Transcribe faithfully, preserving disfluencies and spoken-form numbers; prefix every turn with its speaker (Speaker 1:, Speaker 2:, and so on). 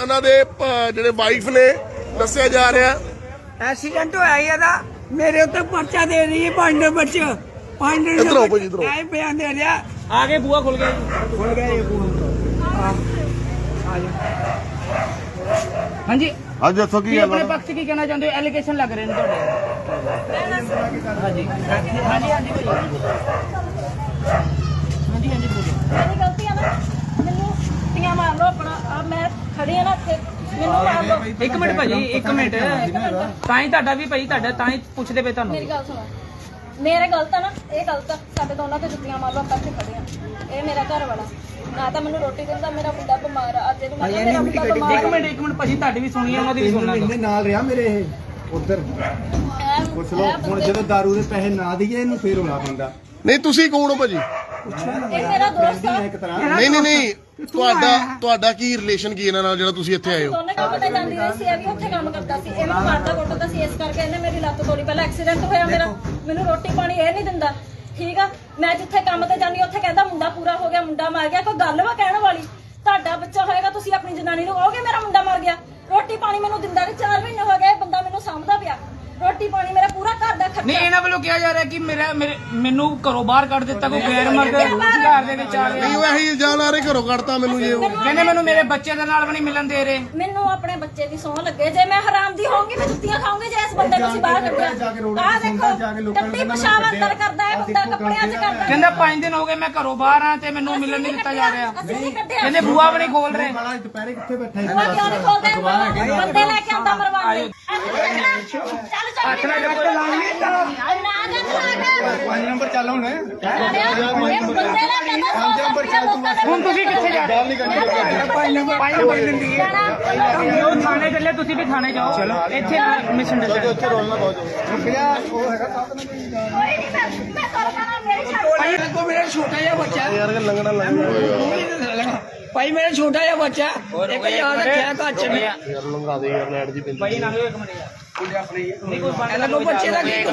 Speaker 1: ਉਹਨਾਂ ਦੇ ਜਿਹੜੇ ਵਾਈਫ ਨੇ ਦੱਸਿਆ ਜਾ ਰਿਹਾ
Speaker 2: ਐਕਸੀਡੈਂਟ ਹੋਇਆ ਇਹਦਾ ਮੇਰੇ ਉੱਤੇ ਪਰਚਾ ਦੇ ਰਹੀ ਹੈ ਪੰਜ ਨੰਬਰ ਚ ਪੰਜ ਨੰਬਰ
Speaker 1: ਇੱਧਰ ਆਓ ਭਾਜੀ, ਇੱਧਰ ਆਓ।
Speaker 2: ਐ ਬਿਆਨ ਦੇ ਰਿਹਾ
Speaker 3: आगे बुआ खुल गया जी।
Speaker 2: ਖੁੱਲ ਗਿਆ ਇਹ ਬੂਹਾ ਹਾਂ ਆ ਜਾ
Speaker 3: हाँ जी
Speaker 4: ਅੱਜ ਦੱਸੋ ਕੀ
Speaker 3: ਕੀ
Speaker 4: ਗੱਲ
Speaker 3: ਆਪਣੇ
Speaker 4: ਆ?
Speaker 3: ਪੱਖ 'ਚ ਕੀ ਕਹਿਣਾ ਚਾਹੁੰਦੇ ਹੋ? ਐਲੀਗੇਸ਼ਨ ਲੱਗ ਰਹੇ ਨੇ ਤੁਹਾਡੇ। ਹਾਂਜੀ ਹਾਂਜੀ ਹਾਂਜੀ ਭਾਈ ਹਾਂਜੀ ਹਾਂਜੀ ਬੋਲੋ।
Speaker 5: ਮੇਰੀ ਗਲਤੀ ਆ ਨਾ ਮੈਨੂੰ ਟੀਆਂ ਮਾਰ ਲਓ ਆਪਣਾ ਆ ਮੈਂ ਖੜੀ ਆ ਨਾ ਇੱਥੇ ਮੈਨੂੰ ਮਾਰ ਲਓ
Speaker 3: ਇੱਕ ਮਿੰਟ ਭਾਜੀ ਇੱਕ ਮਿੰਟ ਤਾਂ ਹੀ ਤੁਹਾਡਾ ਵੀ ਭਾਈ ਤੁਹਾਡਾ ਤਾਂ ਹੀ ਪੁੱਛਦੇ ਪਏ ਤੁਹਾਨੂੰ।
Speaker 5: ਮੇਰੀ ਗੱਲ ਸੁਣੋ ਮੇਰੇ ਗਲਤ ਆ ਨਾ ਇਹ ਗਲਤ ਆ ਸਾਡੇ ਦੋਨਾਂ ਤੇ ਜੁੱਤੀਆਂ ਮਾਰ ਲਓ ਆਪਾਂ ਇੱਥੇ ਖੜੇ ਆ ਇਹ ਮੇਰਾ ਘਰ ਵਾਲਾ ਨਾ ਤਾਂ ਮੈਨੂੰ ਰੋਟੀ ਦਿੰਦਾ ਮੇਰਾ ਮੁੰਡਾ ਬਿਮਾਰ ਆ ਅੱਜ ਇਹਨੂੰ ਮੇਰਾ ਮੁੰਡਾ ਬਿਮਾਰ
Speaker 3: ਇੱਕ ਮਿੰਟ ਇੱਕ ਮਿੰਟ ਭਾਜੀ ਤੁਹਾਡੀ ਵੀ ਸੁਣੀ ਹੈ ਉਹਨਾਂ ਦੀ ਵੀ ਸੁਣਨਾ।
Speaker 6: ਇਹਨੇ ਨਾਲ ਰਿਹਾ ਮੇਰੇ ਇਹ ਉਧਰ ਪੁੱਛ ਲਓ ਹੁਣ ਜਦੋਂ ਦਾਰੂ ਦੇ ਪੈਸੇ ਨਾ ਦਈਏ ਇਹਨੂੰ ਫੇਰ ਹੋਣਾ ਪੈਂਦਾ।
Speaker 1: ਨਹੀਂ ਤੁਸੀਂ ਕੌਣ ਹੋ ਭਾਜੀ?
Speaker 5: ਇਹ ਮੇਰਾ ਦੋਸਤ ਆ
Speaker 6: ਇੱਕ ਤਰ੍ਹਾਂ
Speaker 1: ਨਹੀਂ ਨਹੀਂ ਨਹੀਂ ਤੁਹਾਡਾ ਤੁਹਾਡਾ ਕੀ ਰਿਲੇਸ਼ਨ ਕੀ ਇਹਨਾਂ ਨਾਲ ਜਿਹੜਾ ਤੁਸੀਂ ਇੱਥੇ ਆਏ ਹੋ?
Speaker 5: ਦੋਨੇ ਕੰਮ ਤੇ ਜਾਂਦੀ ਰਹੀ ਸੀ ਇਹ ਵੀ ਉੱਥੇ ਕੰਮ ਕਰਦਾ ਸੀ ਇਹ ਮੈਨੂੰ ਮਾਰਦਾ ਕੁੱਟਦਾ ਸੀ ਇਸ ਕਰਕੇ ਇਹਨੇ ਮੇਰੀ ਲੱਤ ਤੋੜੀ ਪਹਿਲਾਂ ਐਕਸੀਡੈਂਟ ਹੋਇਆ ਮੇਰਾ ਮੈਨੂੰ ਰੋਟੀ ਪਾਣੀ ਇਹ ਨਹੀਂ ਦਿੰਦਾ ਠੀਕ ਆ ਮੈਂ ਜਿੱਥੇ ਕੰਮ ਤੇ ਜਾਂਦੀ ਉੱਥੇ ਕਹਿੰਦਾ ਮੁੰਡਾ ਪੂਰਾ ਹੋ ਗਿਆ ਮੁੰਡਾ ਮਰ ਗਿਆ ਕੋਈ ਗੱਲ ਵਾ ਕਹਿਣ ਵਾਲੀ ਤੁਹਾਡਾ ਬੱਚਾ ਹੋਏਗਾ ਤੁਸੀਂ ਆਪਣੀ ਜਨਾਨੀ ਨੂੰ ਕਹੋਗੇ ਮੇਰਾ ਮੁੰਡਾ ਮਰ ਗਿਆ ਰੋਟੀ ਪਾਣੀ ਮੈਨੂੰ ਦਿੰਦਾ ਨਹੀਂ ਚਾਰ ਮਹੀਨੇ ਹੋ ਗਏ ਬੰਦਾ ਮੈਨੂੰ ਸਾਂਭਦਾ ਪਿਆ ਰੋਟੀ ਪਾਣੀ ਮੇਰਾ ਪੂਰਾ ਘਰ ਦਾ ਖਰਚਾ
Speaker 3: ਨਹੀਂ ਇਹਨਾਂ ਵੱਲੋਂ ਕਿਹਾ ਜਾ ਰਿਹਾ ਕਿ ਮੇਰਾ ਮੇਰੇ ਮੈਨੂੰ ਘਰੋਂ ਬਾਹਰ ਕੱਢ ਦਿੱਤਾ ਕੋਈ ਗੈਰ ਮਰਦ ਘਰ ਦੇ ਵਿੱਚ ਆ
Speaker 1: ਨਹੀਂ
Speaker 3: ਗਿਆ।
Speaker 1: ਉਹ ਇਹੀ ਇਲਜ਼ਾਮ ਲਾ ਰਹੇ ਘਰੋਂ ਕੱਢਤਾ ਮੈਨੂੰ ਜੇ ਉਹ
Speaker 3: ਕਹਿੰਦੇ ਮੈਨੂੰ ਮੇਰੇ ਬੱਚੇ ਦੇ ਨਾਲ ਵੀ ਨਹੀਂ ਮਿਲਣ ਦੇ ਰਹੇ।
Speaker 5: ਮੈਨੂੰ ਆਪਣੇ ਬੱਚੇ ਦੀ ਸੌਂ ਲੱਗੇ ਜੇ ਮੈਂ ਹਰਾਮ ਦੀ ਹੋਊਂਗੀ ਮੈਂ ਜੁੱਤੀਆਂ ਖਾਊਂਗੀ ਜੇ ਇਸ ਬੰਦੇ ਨੂੰ ਅਸੀਂ ਬਾਹਰ ਕੱਢਿਆ ਆਹ ਦੇਖੋ ਟੱਟੀ ਪਿਸ਼ਾਬ ਅੰਦਰ ਕਰਦਾ ਹੈ ਬੰਦਾ ਕੱਪੜਿਆਂ 'ਚ ਕਰਦਾ
Speaker 3: ਕਹਿੰਦਾ ਪੰਜ ਦਿਨ ਹੋ ਗਏ ਮੈਂ ਘਰੋਂ ਬਾਹਰ ਆ ਤੇ ਮੈਨੂੰ ਮਿਲਣ ਨਹੀਂ ਦਿੱਤਾ ਜਾ ਰਿਹਾ।
Speaker 5: ਅਸੀਂ ਨਹੀਂ ਕੱਢਿਆ
Speaker 3: ਕਹਿੰਦੇ ਬੂਆ ਵੀ ਨਹੀਂ ਖੋਲ ਰਹੇ।
Speaker 6: ਵਾਲਾ ਦੁਪਹਿਰੇ ਕਿੱਥੇ ਬੈਠਾ
Speaker 5: ਬੂਆ ਕਿਉਂ ਨਹੀਂ ਖੋਲਦੇ ਬੰਦੇ ਲੈ ਕੇ ਆਉਂਦਾ ਮਰਵਾਉਣ ਚੱਲ ਚੱਲ ਨਾ ਜਾ
Speaker 6: ਪੰਜ ਨੰਬਰ ਚੱਲ ਹੁਣ
Speaker 5: ਬੰਦੇ ਲੈ ਕੇ ਆਉਂਦਾ
Speaker 3: ਹੁਣ ਤੁਸੀਂ ਕਿੱਥੇ ਜਾ ਰਹੇ ਹੋ? ਪੰਜ ਨੰਬਰ ਪੰਜ ਨੰਬਰ ਦਿੰਦੀ ਹੈ ਉਹ ਥਾਣੇ ਚੱਲੇ ਤੁਸੀਂ ਵੀ ਥਾਣੇ ਜਾਓ ਚਲੋ ਇੱਥੇ ਮਿਸ਼ਨ
Speaker 6: ਉੱਥੇ ਰੋਲਣਾ ਬਹੁਤ ਰੁਪਿਆ ਉਹ ਹੈਗਾ ਸਾਥ
Speaker 2: ਭਾਈ ਕੋ ਮੇਰਾ ਛੋਟਾ ਜਿਹਾ ਬੱਚਾ
Speaker 1: ਯਾਰ ਕਿ ਲੰਗਣਾ ਲੰਗਣਾ
Speaker 2: ਭਾਈ ਮੇਰਾ ਛੋਟਾ ਜਿਹਾ ਬੱਚਾ ਇੱਕ ਯਾਦ ਰੱਖਿਆ ਘਰ ਚ
Speaker 1: ਯਾਰ ਲੰਗਾ ਦੇ ਯਾਰ ਲੈਟ ਜੀ ਪੈਂਦੀ
Speaker 3: ਭਾਈ ਨਾ ਇੱਕ ਮਿੰਟ ਯਾਰ
Speaker 2: ਇਹਨਾਂ ਨੂੰ ਬੱਚੇ ਦਾ ਕੀ